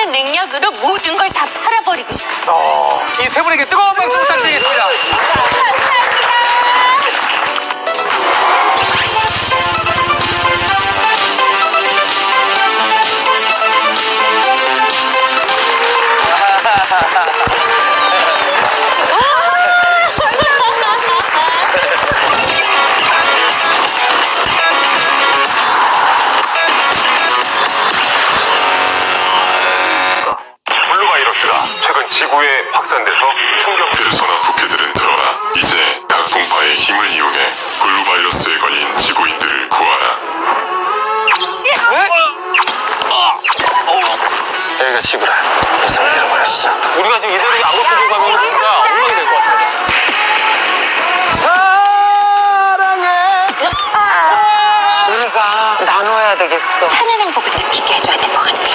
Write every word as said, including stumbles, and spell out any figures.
엄청난 능력으로 모든 걸 다 팔아버리고 싶어. 어, 이 세 분에게 뜨거운 박수 부탁드리겠습니다. 블루바이러스가 최근 지구에 확산돼서 충격. 페르소나 부캐들은 들어라. 이제 각 동파의 힘을 이용해 블루바이러스에 걸린 지구인들을 구하라. 여기가 지구다. 무슨 잃어버렸어. 우리가 지금 이대로 안 고쳐주고 가면 진짜 엉망이 될 것 같아. 우리가 나눠야 되겠어. 사는 행복을 느끼게 해줘야 될 것 같아.